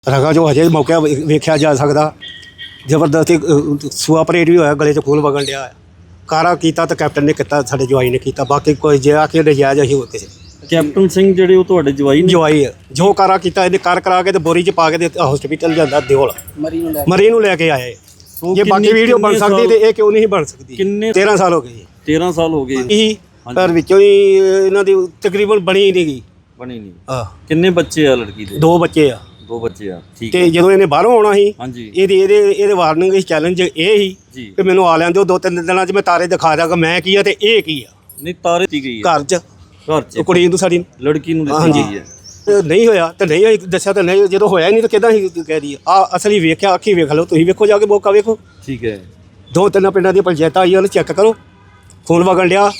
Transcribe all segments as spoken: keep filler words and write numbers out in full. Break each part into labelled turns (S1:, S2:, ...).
S1: रगा जो हजे मौके वेख्या जा सकता जबरदस्ती सूआ परेड भी होया गले च खून वगन दिया कारा किया तो कैप्टन ने किया साडे जवाई ने किया बाकी कोई जे आके नजायज असीं होर किसी
S2: कैप्टन सिंह ਜਿਹੜੇ ਉਹ ਤੁਹਾਡੇ ਜਵਾਈ ਨੇ
S1: जवाई है जो कारा किया इन्हें कर करा के बोरी च पा के हॉस्पिटल जाता दिओल मरी नूं लैके आए जे बाकी वीडियो बन सकती तो ये क्यों नहीं बन सकती
S2: किन्ने
S1: तेरह साल हो गए
S2: तेरह साल हो गए
S1: ही पर विचों ही इन्हां दी तकरीबन बनी ही नहीं गई
S2: ਬਣੀ ਨਹੀਂ
S1: हाँ
S2: ਕਿੰਨੇ ਬੱਚੇ ਆ ਲੜਕੀ ਦੇ
S1: दो बच्चे आ
S2: ਦੋ ਬੱਚੇ ਆ ਠੀਕ
S1: ਤੇ ਜਦੋਂ ਇਹਨੇ ਬਾਹਰੋਂ ਆਉਣਾ ਸੀ
S2: ਹਾਂਜੀ
S1: ਇਹਦੀ ਇਹਦੇ ਇਹਦੇ ਵਾਰਨਿੰਗ ਇਸ ਚੈਲੰਜ ਇਹ ਸੀ
S2: ਜੀ
S1: ਕਿ ਮੈਨੂੰ ਆ ਲੈਣ ਦਿਓ ਦੋ ਤਿੰਨ ਦਿਨਾਂ 'ਚ ਮੈਂ ਤਾਰੇ ਦਿਖਾ ਦਾਂਗਾ ਮੈਂ ਕੀ ਆ ਤੇ ਇਹ ਕੀ ਆ
S2: ਨਹੀਂ ਤਾਰੇ ਦਿੱਤੀ ਗਈ ਹੈ
S1: ਘਰ 'ਚ
S2: ਘਰ ਚ
S1: ਉਹ ਕੁੜੀ ਨੂੰ ਸਾਡੀ
S2: ਲੜਕੀ ਨੂੰ ਦਿੱਤੀ
S1: ਹਾਂਜੀ
S2: ਗਈ ਹੈ
S1: ਤੇ ਨਹੀਂ ਹੋਇਆ ਤੇ ਨਹੀਂ ਹੋਈ, ਦੱਸਿਆ ਤਾਂ ਨਹੀਂ ਜਦੋਂ ਹੋਇਆ ਹੀ ਨਹੀਂ ਤਾਂ ਕਿੱਦਾਂ ਹੀ ਕਹਿ ਦੀ ਆ ਅਸਲੀ ਵੇਖਿਆ ਅੱਖੀ ਵੇਖ ਲਓ ਤੁਸੀਂ ਵੇਖੋ ਜਾ ਕੇ ਮੌਕਾ ਵੇਖੋ
S2: ਠੀਕ ਹੈ
S1: ਦੋ ਤਿੰਨ ਪਿੰਡਾਂ ਦੀ ਪੰਚਾਇਤਾਂ ਆਈਆਂ ਉਹਨੂੰ ਚੈੱਕ ਕਰੋ ਖੂਨ ਵਗਣ ਡਿਆ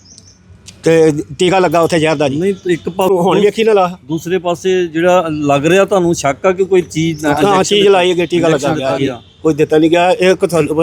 S1: ਤੇ ਟੀਕਾ ਲੱਗਾ ਉੱਥੇ ਜ਼ਹਿਰ ਦਾ ਜੀ
S2: ਨਹੀਂ ਇੱਕ ਪਾ
S1: ਹੁਣ ਵੇਖੀ ਨਾ ਲਾ
S2: ਦੂਸਰੇ ਪਾਸੇ ਜਿਹੜਾ ਲੱਗ ਰਿਹਾ ਤੁਹਾਨੂੰ ਸ਼ੱਕ ਆ ਕਿ ਕੋਈ ਚੀਜ਼
S1: ਹਾਂ ਚੀਜ਼ ਲਾਈ ਗਈ ਟੀਕਾ ਲੱਗਾ ਗਿਆ ਕੋਈ ਦਿੱਤਾ ਨਹੀਂ ਗਿਆ ਇਹ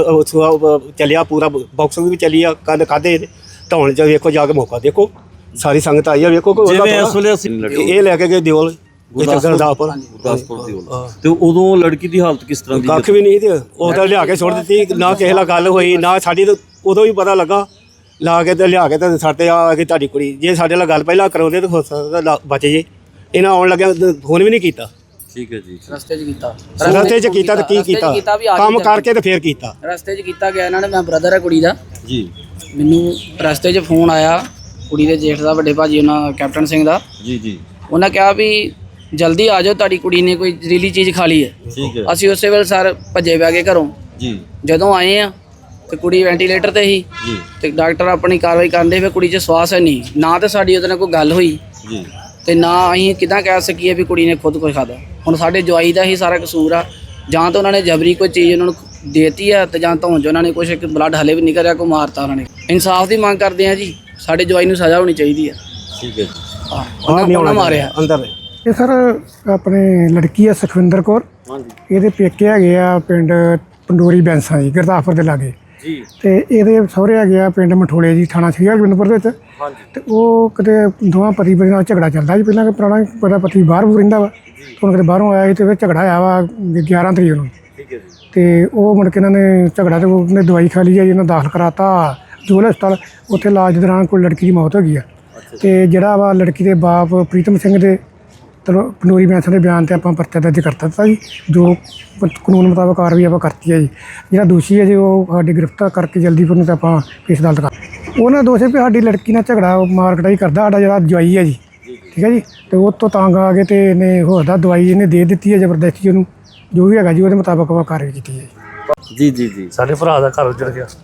S1: ਚੱਲਿਆ ਪੂਰਾ ਬਾਕਸਿੰਗ ਵੀ ਚੱਲੀ ਆ ਕੰਨ ਖਾਦੇ ਢਾਉਣ ਚ ਵੇਖੋ ਜਾ ਕੇ ਮੌਕਾ ਦੇਖੋ ਸਾਰੀ ਸੰਗਤ ਆਈ ਆ ਵੇਖੋ ਕੋਈ
S2: ਜਿਵੇਂ ਇਸ ਵੇਲੇ ਅਸੀਂ
S1: ਇਹ ਲੈ ਕੇ ਗਏ ਦਿਓਲ ਗੁਰਦਾਸਪੁਰ
S2: ਗੁਰਦਾਸਪੁਰ ਦੀ ਉਹ ਤੇ ਉਦੋਂ ਲੜਕੀ ਦੀ ਹਾਲਤ ਕਿਸ ਤਰ੍ਹਾਂ ਦੀ
S1: ਕੱਖ ਵੀ ਨਹੀਂ ਤੇ ਉਹ ਤਾਂ ਲਿਆ ਕੇ ਸੁੱਟ ਦਿੱਤੀ ਨਾ ਕਿਸੇ ਨਾਲ ਗੱਲ ਹੋਈ ਨਾ ਸਾਡੀ ਤਾਂ ਉਦੋਂ ਵੀ ਪਤਾ ਲੱਗਾ ਲਾ ਕੇ ਤੇ ਲਿਆ ਕੇ ਤੇ ਸਾਡੇ ਆ ਕੇ ਤੁਹਾਡੀ ਕੁੜੀ ਜੇ ਸਾਡੇ ਨਾਲ ਗੱਲ ਪਹਿਲਾਂ ਕਰਾਉਂਦੇ ਤਾਂ ਹੋ ਸਕਦਾ ਬਚ ਜੇ ਇਹਨਾਂ ਆਉਣ ਲੱਗਿਆ ਫੋਨ ਵੀ ਨਹੀਂ ਕੀਤਾ
S2: ਠੀਕ ਹੈ ਜੀ
S3: ਰਸਤੇ 'ਚ ਕੀਤਾ
S1: ਰਸਤੇ 'ਚ ਕੀਤਾ ਤੇ ਕੀ ਕੀਤਾ ਕੰਮ ਕਰਕੇ ਤੇ ਫੇਰ ਕੀਤਾ
S3: ਰਸਤੇ 'ਚ ਕੀਤਾ ਗਿਆ ਇਹਨਾਂ ਨੇ ਮੈਂ ਬ੍ਰਦਰ ਹੈ ਕੁੜੀ ਦਾ
S2: ਜੀ
S3: ਮੈਨੂੰ ਰਸਤੇ 'ਚ ਫੋਨ ਆਇਆ ਕੁੜੀ ਦੇ ਜੇਠ ਦਾ ਵੱਡੇ ਭਾਜੀ ਉਹਨਾਂ ਕੈਪਟਨ ਸਿੰਘ ਦਾ
S2: ਜੀ ਜੀ
S3: ਉਹਨਾਂ ਕਿਹਾ ਵੀ ਜਲਦੀ ਆ ਜਾਓ ਤੁਹਾਡੀ ਕੁੜੀ ਨੇ ਕੋਈ ਜ਼ਹਿਰੀਲੀ ਚੀਜ਼ ਖਾ ਲਈ ਹੈ
S2: ਠੀਕ ਹੈ
S3: ਅਸੀਂ ਉਸੇ ਵੇਲੇ ਸਰ ਭੱਜੇ ਪੈ ਗਏ ਘਰੋਂ
S2: ਜੀ
S3: ਜਦੋਂ ਆਏ ਆ ਤੇ ਕੁੜੀ ਵੈਂਟੀਲੇਟਰ ਤੇ ਸੀ
S2: ਜੀ
S3: ਤੇ ਡਾਕਟਰ ਆਪਣੀ ਕਾਰਵਾਈ ਕਰਦੇ ਫਿਰ ਕੁੜੀ 'ਚ ਸਵਾਸ ਹੈ ਨਹੀਂ ਨਾ ਤਾਂ ਸਾਡੀ ਉਹਦੇ ਨਾਲ ਕੋਈ ਗੱਲ ਹੋਈ
S2: ਜੀ
S3: ਤੇ ਨਾ ਅਸੀਂ ਕਿਦਾਂ ਕਹਿ ਸਕੀਏ ਵੀ ਕੁੜੀ ਨੇ ਖੁਦ ਕੁਝ ਖਾਦਾ ਹੁਣ ਸਾਡੇ ਜਵਾਈ ਦਾ ਹੀ ਸਾਰਾ ਕਸੂਰ ਆ ਜਾਂ ਤਾਂ ਉਹਨਾਂ ਨੇ ਜਬਰੀ ਕੋਈ ਚੀਜ਼ ਉਹਨਾਂ ਨੂੰ ਦੇਤੀ ਆ ਤੇ ਜਾਂ ਧੌਣ 'ਚ ਉਹਨਾਂ ਨੇ ਕੁਛ ਇੱਕ ਬਲੱਡ ਹਲੇ ਵੀ ਨਿਕਲ ਰਿਹਾ ਕੋ ਮਾਰਤਾ ਉਹਨਾਂ ਨੇ ਇਨਸਾਫ ਦੀ ਮੰਗ ਕਰਦੇ ਆ ਜੀ ਸਾਡੇ ਜਵਾਈ ਨੂੰ ਸਜ਼ਾ ਹੋਣੀ ਚਾਹੀਦੀ ਆ
S2: ਠੀਕ ਹੈ
S3: ਹਾਂ ਉਹਨਾਂ ਨੇ ਮਾਰਿਆ
S1: ਅੰਦਰ
S4: ਇਹ ਸਰ ਆਪਣੇ ਲੜਕੀ ਆ ਸੁਖਵਿੰਦਰ ਕੌਰ
S2: ਹਾਂਜੀ
S4: ਇਹਦੇ ਪੇਕੇ ਹੈਗੇ ਆ ਪਿੰਡ ਪੰਡੋਰੀ ਬੈਂਸਾਂ ਜੀ ਗੁਰਦਾਸਪੁਰ ਦੇ ਲਾਗੇ
S2: ਜੀ
S4: ਤੇ ਇਹਦੇ ਸਹੁਰੇ ਹੈਗੇ ਆ ਪਿੰਡ ਮਠੋਲੇ ਜੀ ਥਾਣਾ ਸ੍ਰੀ ਹਰਗੋਬਿੰਦਪੁਰ ਦੇ ਵਿੱਚ
S2: ਹਾਂਜੀ
S4: ਤੇ ਉਹ ਕਿਤੇ ਦੋਵਾਂ ਪਤੀ ਪਤਨੀ ਨਾਲ ਝਗੜਾ ਚੱਲਦਾ ਜੀ ਪਹਿਲਾਂ ਕਿ ਪੁਰਾਣਾ ਪਤਾ ਪਤੀ ਬਾਹਰ ਬੂਰ ਰਹਿੰਦਾ ਵਾ ਹੁਣ ਕਿਤੇ ਬਾਹਰੋਂ ਆਇਆ ਸੀ ਤੇ ਫਿਰ ਝਗੜਾ ਆਇਆ ਵਾ ਗਿਆਰਾਂ ਤਰੀਕ ਨੂੰ
S2: ਠੀਕ ਹੈ ਜੀ
S4: ਤੇ ਉਹ ਮੁੜ ਕੇ ਇਹਨਾਂ ਨੇ ਝਗੜਾ ਤੇ ਉਹਨੇ ਦਵਾਈ ਖਾ ਲਈ ਆ ਜੀ ਇਹਨਾਂ ਦਾਖਲ ਕਰਾਤਾ ਜੋਲ ਹਸਪਤਾਲ ਉੱਥੇ ਇਲਾਜ ਦੌਰਾਨ ਕੋਈ ਲੜਕੀ ਦੀ ਮੌਤ ਹੋ ਗਈ ਆ ਤੇ ਜਿਹੜਾ ਵਾ ਲੜਕੀ ਦੇ ਬਾਪ ਪ੍ਰੀਤਮ ਸਿੰਘ ਦੇ ਚਲੋ ਪੰਡੋਰੀ ਬੈਂਸਾਂ ਦੇ ਬਿਆਨ 'ਤੇ ਆਪਾਂ ਪਰਚਾ ਦਰਜ ਕਰ ਦਿੱਤਾ ਜੀ ਜੋ ਪ- ਕਾਨੂੰਨ ਮੁਤਾਬਕ ਕਾਰਵਾਈ ਆਪਾਂ ਕਰਤੀ ਹੈ ਜੀ ਜਿਹੜਾ ਦੋਸ਼ੀ ਹੈ ਜੀ ਉਹ ਸਾਡੀ ਗ੍ਰਿਫਤਾਰ ਕਰਕੇ ਜਲਦੀ ਫਿਰ ਨੂੰ ਤਾਂ ਆਪਾਂ ਪੇਸ਼ ਅਦਾਲਤ ਕਰ ਉਹਨਾਂ ਦੋਸ਼ ਹੈ ਵੀ ਸਾਡੀ ਲੜਕੀ ਨਾਲ ਝਗੜਾ ਮਾਰ ਕਟਾਈ ਕਰਦਾ ਸਾਡਾ ਜਿਹੜਾ ਜਵਾਈ ਹੈ ਜੀ ਠੀਕ ਹੈ ਜੀ ਤੇ ਉਹ ਤੋਂ ਤੰਗ ਆ ਕੇ ਤੇ ਇਹਨੇ ਹੋਰ ਦਾ ਦਵਾਈ ਇਹਨੇ ਦੇ ਦਿੱਤੀ ਹੈ ਜ਼ਬਰਦਸਤੀ ਉਹਨੂੰ ਜੋ ਵੀ ਹੈਗਾ ਜੀ ਉਹਦੇ ਮੁਤਾਬਕ ਆਪਾਂ ਕਾਰਵਾਈ ਕੀਤੀ ਹੈ
S2: ਜੀ ਜੀ ਜੀ
S5: ਸਾਡੇ ਭਰਾ ਦਾ ਘਰ ਉੱਜੜ ਗਿਆ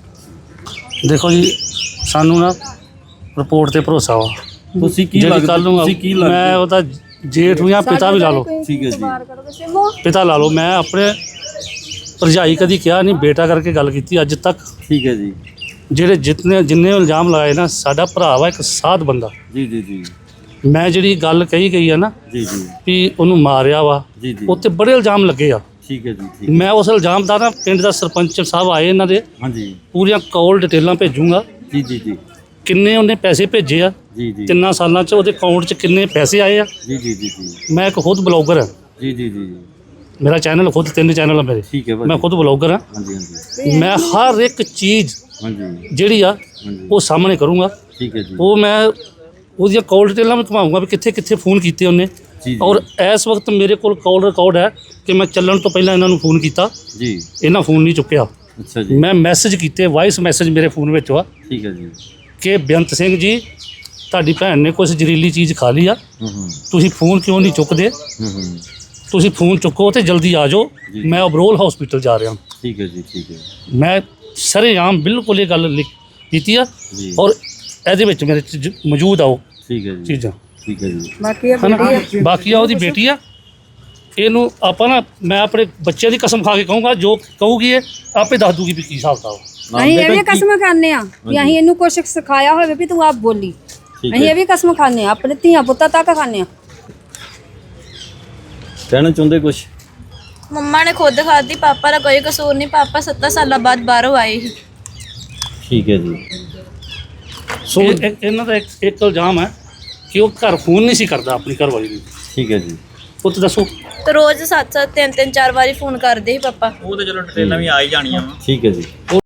S5: ਦੇਖੋ ਜੀ ਸਾਨੂੰ ਨਾ ਰਿਪੋਰਟ ਤੇ ਭਰੋਸਾ ਵਾ
S2: ਤੁਸੀਂ ਕੀ
S5: ਜਿਹੜੀ
S2: ਲੱਗਦਾ
S5: ਕੱਲ ਨੂੰ
S2: ਤੁਸੀਂ ਕੀ
S5: ਮੈਂ
S2: ਲੱਗਦਾ
S5: ਉਹਦਾ ਜੇਠ ਨੂੰ ਜਾਂ ਪਿਤਾ ਵੀ ਲਾ ਲਓ
S2: ਠੀਕ ਹੈ ਜੀ
S5: ਪਿਤਾ ਲਾ ਲਓ ਮੈਂ ਆਪਣੇ ਭਰਜਾਈ ਕਦੀ ਕਿਹਾ ਨਹੀਂ ਬੇਟਾ ਕਰਕੇ ਗੱਲ ਕੀਤੀ ਅੱਜ ਤੱਕ
S2: ਠੀਕ ਹੈ ਜੀ
S5: ਜਿਹੜੇ ਜਿਤਨੇ ਜਿੰਨੇ ਇਲਜ਼ਾਮ ਲਾਏ ਨਾ ਸਾਡਾ ਭਰਾ ਵਾ ਇੱਕ ਸਾਧ ਬੰਦਾ
S2: ਜੀ ਜੀ ਜੀ
S5: ਮੈਂ ਜਿਹੜੀ ਗੱਲ ਕਹੀ ਗਈ ਆ ਨਾ
S2: ਜੀ ਜੀ
S5: ਵੀ ਉਹਨੂੰ ਮਾਰਿਆ ਵਾ
S2: ਜੀ ਜੀ
S5: ਉੱਤੇ ਬੜੇ ਇਲਜ਼ਾਮ ਲੱਗੇ ਆ
S2: ਠੀਕ ਹੈ ਜੀ ਠੀਕ
S5: ਮੈਂ ਉਸ ਇਲਜ਼ਾਮ ਦਾ ਨਾ ਪਿੰਡ ਦਾ ਸਰਪੰਚ ਸਾਹਿਬ ਆਏ ਇਹਨਾਂ ਦੇ
S2: ਹਾਂਜੀ
S5: ਪੂਰੀਆਂ ਕਾਲ ਡਿਟੇਲਾਂ ਭੇਜੂੰਗਾ
S2: ਜੀ ਜੀ ਜੀ
S5: ਕਿੰਨੇ ਉਹਨੇ ਪੈਸੇ ਭੇਜੇ ਆ
S2: ਜੀ ਜੀ
S5: ਤਿੰਨਾਂ ਸਾਲਾਂ 'ਚ ਉਹਦੇ ਅਕਾਊਂਟ 'ਚ ਕਿੰਨੇ ਪੈਸੇ ਆਏ ਆ
S2: ਜੀ ਜੀ ਜੀ ਜੀ
S5: ਮੈਂ ਇੱਕ ਖੁਦ ਬਲੌਗਰ ਹਾਂ
S2: ਜੀ ਜੀ ਜੀ
S5: ਮੇਰਾ ਚੈਨਲ ਖੁਦ ਤਿੰਨ ਚੈਨਲ ਆ ਮੇਰੇ
S2: ਠੀਕ ਹੈ
S5: ਮੈਂ
S2: ਭਾਜੀ
S5: ਖੁਦ ਬਲੌਗਰ ਹਾਂ
S2: ਹਾਂਜੀ ਹਾਂਜੀ
S5: ਮੈਂ ਹਰ ਇੱਕ ਚੀਜ਼
S2: ਹਾਂਜੀ
S5: ਜਿਹੜੀ ਆ
S2: ਹਾਂਜੀ
S5: ਉਹ ਸਾਹਮਣੇ ਕਰੂੰਗਾ
S2: ਠੀਕ ਹੈ ਜੀ
S5: ਉਹ ਮੈਂ ਉਹਦੀਆਂ ਕਾਲ ਡਿਟੇਲਾਂ ਵੀ ਘੁਮਾਊਂਗਾ ਵੀ ਕਿੱਥੇ ਕਿੱਥੇ ਫੋਨ ਕੀਤੇ ਉਹਨੇ
S2: ਜੀ
S5: ਔਰ ਇਸ ਵਕਤ ਮੇਰੇ ਕੋਲ ਕਾਲ ਰਿਕਾਰਡ ਹੈ ਕਿ ਮੈਂ ਚੱਲਣ ਤੋਂ ਪਹਿਲਾਂ ਇਹਨਾਂ ਨੂੰ ਫੋਨ ਕੀਤਾ
S2: ਜੀ
S5: ਇਹਨਾਂ ਫੋਨ ਨਹੀਂ ਚੁੱਕਿਆ
S2: ਅੱਛਾ ਜੀ
S5: ਮੈਂ ਮੈਸੇਜ ਕੀਤੇ ਵਾਇਸ ਮੈਸੇਜ ਮੇਰੇ ਫੋਨ ਵਿੱਚ ਆ
S2: ਠੀਕ ਹੈ ਜੀ
S5: ਕਿ ਬੇਅੰਤ ਸਿੰਘ ਜੀ ਤੁਹਾਡੀ ਭੈਣ ਨੇ ਕੁਝ ਜ਼ਹਿਰੀਲੀ ਚੀਜ਼ ਖਾ ਲਈ ਆ
S2: ਹੂੰ ਹੂੰ
S5: ਤੁਸੀਂ ਫੋਨ ਕਿਉਂ ਨਹੀਂ ਚੁੱਕਦੇ
S2: ਹੂੰ ਹੂੰ
S5: ਤੁਸੀਂ ਫੋਨ ਚੁੱਕੋ ਤੇ ਜਲਦੀ ਆ ਜਾਓ
S2: ਜੀ।
S5: ਮੈਂ ਅਬਰੋਲ ਹਸਪੀਟਲ ਜਾ ਰਿਹਾ
S2: ਠੀਕ ਹੈ ਜੀ ਠੀਕ ਹੈ
S5: ਮੈਂ ਸਰੇਆਮ ਬਿਲਕੁਲ ਇਹ ਗੱਲ ਲਿਖ ਕੀਤੀ ਆ
S2: ਜੀ
S5: ਔਰ ਇਹਦੇ ਵਿੱਚ ਮੇਰੇ ਚ ਜ- ਮੌਜੂਦ ਆ ਉਹ
S2: ਠੀਕ ਹੈ ਜੀ
S5: ਚੀਜ਼ਾਂ
S2: ਠੀਕ ਹੈ ਜੀ
S5: ਹਨਾ ਬਾਕੀ ਆ ਉਹਦੀ ਬੇਟੀ ਆ ਇਹਨੂੰ ਆਪਾਂ ਨਾ ਮੈਂ ਆਪਣੇ ਬੱਚਿਆਂ ਦੀ ਕਸਮ ਖਾ ਕੇ ਕਹੂੰਗਾ ਜੋ ਕਹੂਗੀ ਇਹ ਆਪੇ ਦੱਸ ਦੂਗੀ ਵੀ ਕੀ ਹਿਸਾਬ ਦਾ
S6: ਅਸੀਂ ਇਹ ਵੀ ਕਸਮ ਖਾਂਦੇ ਆ ਵੀ ਅਸੀਂ ਇਹਨੂੰ ਕੁਛ ਸਿਖਾਇਆ ਹੋਵੇ ਵੀ ਤੂੰ ਆਪ ਬੋਲੀ
S2: ਠੀਕ
S6: ਅਸੀਂ
S2: ਹੈ
S6: ਇਹ ਵੀ ਕਸਮ ਖਾਂਦੇ ਆ ਆਪਣੇ ਧੀਆਂ ਪੁੱਤਾਂ ਤੱਕ ਖਾਂਦੇ ਆ
S2: ਕਹਿਣਾ ਚਾਹੁੰਦੇ ਕੁਝ
S7: ਮੰਮਾ ਨੇ ਖੁਦ ਖਾਧੀ ਪਾਪਾ ਦਾ ਕੋਈ ਕਸੂਰ ਨਹੀਂ ਪਾਪਾ ਸੱਤਾਂ ਸਾਲਾਂ ਬਾਅਦ ਬਾਹਰੋਂ ਆਏ ਸੀ
S2: ਠੀਕ ਹੈ ਜੀ
S5: ਸੋ ਇਹਨਾਂ ਦਾ ਇੱਕ ਇੱਕ ਇਲਜ਼ਾਮ ਹੈ ਕਿ ਉਹ ਘਰ ਫੋਨ ਨਹੀਂ ਸੀ ਕਰਦਾ ਆਪਣੀ ਘਰਵਾਲੀ ਨੂੰ
S2: ਠੀਕ ਹੈ ਜੀ
S5: ਪੁੱਤ ਦੱਸੋ।
S7: ਤੇ ਰੋਜ਼ ਸੱਤ ਸੱਤ ਤਿੰਨ ਤਿੰਨ ਚਾਰ ਵਾਰੀ ਫੋਨ ਕਰਦੇ ਸੀ ਪਾਪਾ।
S2: ਠੀਕ ਹੈ ਜੀ।